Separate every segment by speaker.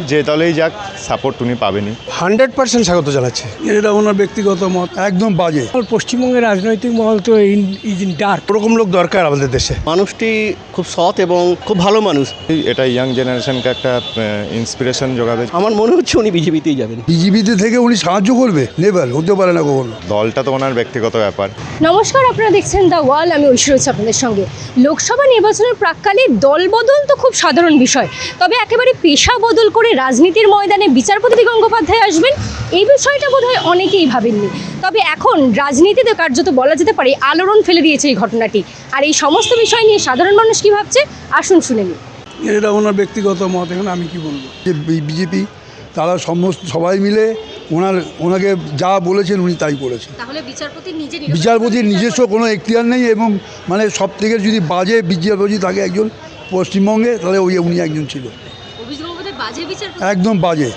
Speaker 1: যে দলেই যাক সাপোর্ট উনি পাবেনই।
Speaker 2: 100% স্বাগত জানাচ্ছে।
Speaker 3: এটা ওনার ব্যক্তিগত মত, একদম বাজে।
Speaker 4: পশ্চিমবঙ্গের রাজনৈতিক মহল তো ইজ ইন ডার্ক।
Speaker 2: ওরকম লোক দরকার আমাদের দেশে।
Speaker 5: মানুষটি খুব সৎ এবং খুব ভালো মানুষ।
Speaker 1: এটা ইয়াং জেনারেশনকে একটা ইন্সপিরেশন যোগাবে।
Speaker 5: আমার মনে হচ্ছে উনি বিজেপিতেই যাবেন।
Speaker 3: বিজেপিতে থেকে উনি সাহায্য করবে, নেবেল হতে পারে না কখনো।
Speaker 1: দলটা তো ওনার ব্যক্তিগত ব্যাপার।
Speaker 6: নমস্কার, আপনারা দেখছেন দ্য ওয়াল। আমি ঐশ্বর্য রয়েছি আপনাদের সঙ্গে। লোকসভা নির্বাচনের প্রাক্কালে দল বদল তো খুব সাধারণ বিষয়, তবে একেবারে পেশা বদল করে রাজনীতির ময়দানে বিচারপতি গঙ্গোপাধ্যায় আসবেন, এই বিষয়টা বোধহয় অনেকেই ভাবেননি। তবে এখন রাজনীতিতে কার্যত বলা যেতে পারে আলোড়ন ফেলে দিয়েছে এই ঘটনাটি। আর এই সমস্ত বিষয় নিয়ে সাধারণ মানুষ কী ভাবছে আসুন শুনে নিই।
Speaker 3: এটা ওনার ব্যক্তিগত মত, এখন আমি কি বলবো। যে বিজেপি তারা সবাই মিলে ওনাকে যা বলেছেন উনি তাই করেছেন।
Speaker 6: তাহলে
Speaker 3: বিচারপতির নিজস্ব কোনো এখতিয়ার নেই, এবং মানে সব থেকে যদি বাজে বিচারপতি থাকে একজন পশ্চিমবঙ্গে, তাহলে উনি একজন ছিল। একদম বাজে।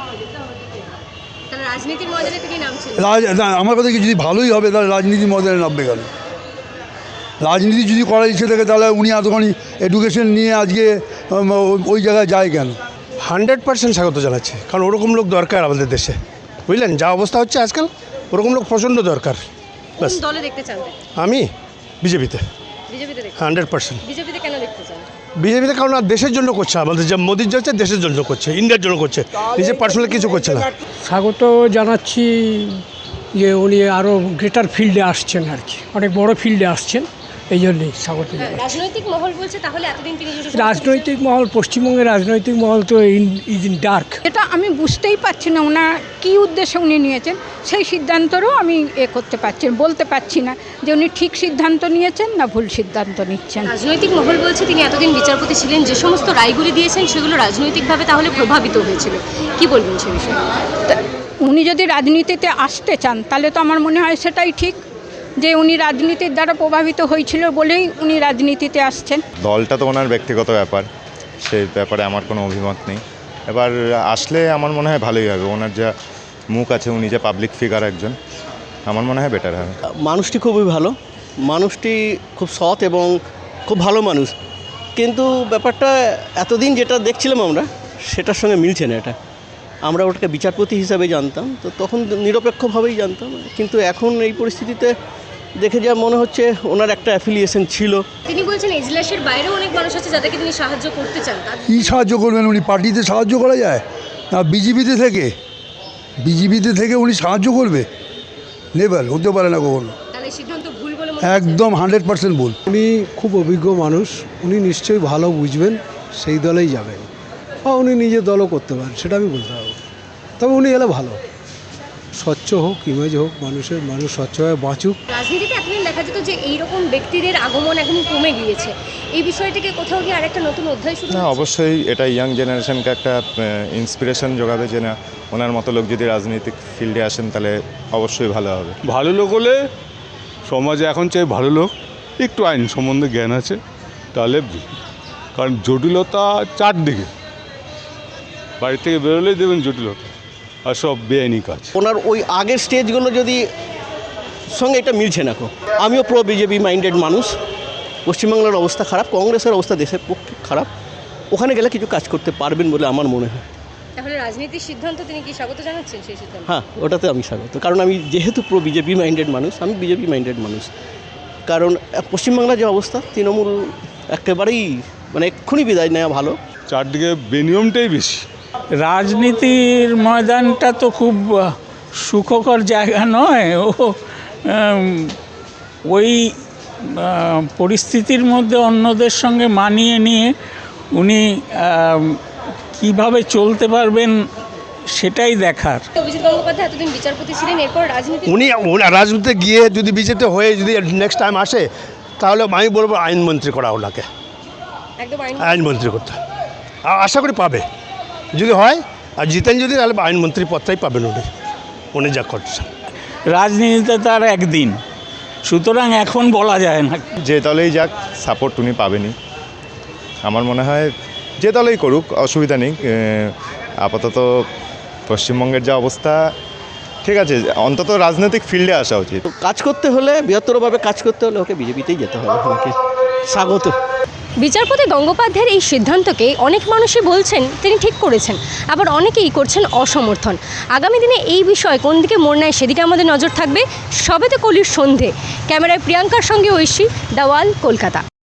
Speaker 3: আমার কথা কি, যদি ভালোই হবে তাহলে রাজনীতির ময়দানে নামবে কেন? রাজনীতি যদি করার ইচ্ছে থাকে তাহলে উনি এতখানি এডুকেশন নিয়ে আজকে ওই জায়গায় যায় কেন?
Speaker 2: 100% স্বাগত জানাচ্ছে, কারণ ওরকম লোক দরকার আমাদের দেশে, বুঝলেন? যা অবস্থা হচ্ছে আজকাল, ওরকম লোক প্রচণ্ড দরকার। ব্যাস।
Speaker 6: দলে দেখতে চান?
Speaker 2: আমি বিজেপিতে 100%।
Speaker 6: বিজেপিতে কেন দেখতে চান?
Speaker 2: বিজেপিতে কারণ আর দেশের জন্য করছে, আমাদের যা মোদির যাচ্ছে দেশের জন্য করছে, ইন্ডিয়ার জন্য করছে, নিজের পার্সোনাল কিছু করছে না।
Speaker 4: স্বাগত জানাচ্ছি যে উনি আরও গ্রেটার ফিল্ডে আসছেন, আর কি অনেক বড় ফিল্ডে আসছেন, এই জন্যই স্বাগত জানাচ্ছি।
Speaker 6: রাজনৈতিক মহল বলছে তাহলে এতদিন তিনি
Speaker 4: রাজনৈতিক মহল, পশ্চিমবঙ্গের রাজনৈতিক মহল তো ইজ ইন ডার্ক।
Speaker 7: এটা আমি বুঝতেই পারছি না ওনার কী উদ্দেশ্যে উনি নিয়েছেন, সেই সিদ্ধান্তরও আমি করতে পারছি, বলতে পারছি না যে উনি ঠিক সিদ্ধান্ত নিয়েছেন না ভুল সিদ্ধান্ত নিচ্ছেন।
Speaker 6: রাজনৈতিক মহল বলছে তিনি এতদিন বিচারপতি ছিলেন, যে সমস্ত রায়গুলি দিয়েছেন সেগুলো রাজনৈতিকভাবে তাহলে প্রভাবিত হয়েছিল। কি বলবেন সে বিষয়ে?
Speaker 7: উনি যদি রাজনীতিতে আসতে চান তাহলে তো আমার মনে হয় সেটাই ঠিক, যে উনি রাজনীতির দ্বারা প্রভাবিত হয়েছিল বলেই উনি রাজনীতিতে আসছেন।
Speaker 1: দলটা তো ওনার ব্যক্তিগত ব্যাপার, সেই ব্যাপারে আমার কোনো অভিমত নেই। এবার আসলে আমার মনে হয় ভালোই হবে। ওনার যা মুখ আছে, উনি যে পাবলিক ফিগার একজন, আমার মনে হয় বেটার হবে।
Speaker 5: মানুষটি খুবই ভালো, মানুষটি খুব সৎ এবং খুব ভালো মানুষ। কিন্তু ব্যাপারটা এতদিন যেটা দেখছিলাম আমরা, সেটার সঙ্গে মিলছে না। আমরা ওটাকে বিচারপতি হিসাবে জানতাম, তো তখন নিরপেক্ষভাবেই জানতাম, কিন্তু এখন এই পরিস্থিতিতে দেখে যা মনে হচ্ছে ওনার একটা অ্যাফিলিয়েশন ছিল।
Speaker 6: তিনি বলছেন এজলাসের বাইরেও অনেক মানুষ আছে যাদেরকে তিনি সাহায্য করতে চান।
Speaker 3: কী সাহায্য করবেন? উনি পার্টিতে সাহায্য করা যায় না, বিজেপিতে থেকে উনি সাহায্য করবে, নেবেল হতে পারে না কখনো।
Speaker 6: তাহলে সিদ্ধান্ত ভুল বলে
Speaker 3: একদম 100% ভুল।
Speaker 8: উনি খুব অভিজ্ঞ মানুষ, উনি নিশ্চয়ই ভালো বুঝবেন, সেই দলেই যাবেন, বা উনি নিজের দলও করতে পারেন, সেটা আমি বলতে পারবো। তবে উনি এলে ভালো, স্বচ্ছ হোক, ইমেজ হোক, মানুষ স্বচ্ছভাবে বাঁচুক।
Speaker 6: রাজনীতিতে এতদিন দেখা যেত যে এইরকম ব্যক্তিদের আগমন এখন কমে গিয়েছে, এই বিষয়টিকে কোথাও গিয়ে আরেকটা নতুন অধ্যায় শুরু
Speaker 1: না, অবশ্যই এটা ইয়াং জেনারেশনকে একটা ইন্সপিরেশন যোগাবে, যে না, ওনার মতো লোক যদি রাজনৈতিক ফিল্ডে আসেন তাহলে অবশ্যই ভালো হবে।
Speaker 9: ভালো লোক হলে সমাজে এখন চাই ভালো লোক, একটু আইন সম্বন্ধে জ্ঞান আছে, তাহলে কারণ জটিলতা চারদিকে, বাড়ি থেকে বেরোলেই দেবেন জটিলতা আর সব বেআইনি কাজ।
Speaker 5: ওনার ওই আগের স্টেজগুলো যদি সঙ্গে এটা মিলছে না। আমিও প্রো বিজেপি মাইন্ডেড মানুষ। পশ্চিমবাংলার অবস্থা খারাপ, কংগ্রেসের অবস্থা দেশের পক্ষে খারাপ, ওখানে গেলে কিছু কাজ করতে পারবেন বলে আমার মনে হয়।
Speaker 6: তাহলে রাজনীতির সিদ্ধান্ত তিনি কি স্বাগত জানাচ্ছেন? সেই সিদ্ধান্ত,
Speaker 5: হ্যাঁ, ওটাতে আমি স্বাগত, কারণ আমি যেহেতু প্রো বিজেপি মাইন্ডেড মানুষ, আমি বিজেপি মাইন্ডেড মানুষ। কারণ পশ্চিমবাংলার যে অবস্থা, তৃণমূল একেবারেই মানে এক্ষুনি বিদায় নেওয়া ভালো।
Speaker 9: চারদিকে বেনিয়মটাই বেশি।
Speaker 4: রাজনীতির ময়দানটা তো খুব সুখকর জায়গা নয়। ওই পরিস্থিতির মধ্যে অন্যদের সঙ্গে মানিয়ে নিয়ে উনি কিভাবে চলতে পারবেন সেটাই দেখার।
Speaker 6: অভিজিৎ গঙ্গোপাধ্যায় এতদিন বিচারপতি ছিলেন, এরপর
Speaker 2: উনি রাজনীতিতে গিয়ে যদি বিজেপিতে হয়ে যদি নেক্সট টাইম আসে, তাহলে আমি বলবো আইনমন্ত্রী করা ওনাকে,
Speaker 6: একদম
Speaker 2: আইনমন্ত্রী করতে আশা করি পাবে। যদি হয় আর জিতেন যদি, তাহলে আইনমন্ত্রী পদটাই পাবেন উনি যা করছেন।
Speaker 4: রাজনীতিতে তার একদিন, সুতরাং এখন বলা যায় না।
Speaker 1: যে দলেই যাক সাপোর্ট উনি পাবেনই। আমার মনে হয় যে দলেই করুক অসুবিধা নেই। আপাতত পশ্চিমবঙ্গের যা অবস্থা, ঠিক আছে, অন্তত রাজনৈতিক ফিল্ডে আসা উচিত।
Speaker 5: কাজ করতে হলে, বৃহত্তরভাবে কাজ করতে হলে ওকে বিজেপিতেই যেতে হবে। আমাকে স্বাগত।
Speaker 6: বিচারপতি গঙ্গোপাধ্যায়ের এই সিদ্ধান্তকে অনেক মানুষই বলছেন তিনি ঠিক করেছেন, আবার অনেকেই করছেন অসমর্থন। আগামী দিনে এই বিষয় কোন দিকে মোড় নেয় সেদিকে আমাদের নজর থাকবে। সবেতে কলির সন্ধে। ক্যামেরায় প্রিয়াঙ্কার সঙ্গে ঐশী, দ্য ওয়াল, কলকাতা।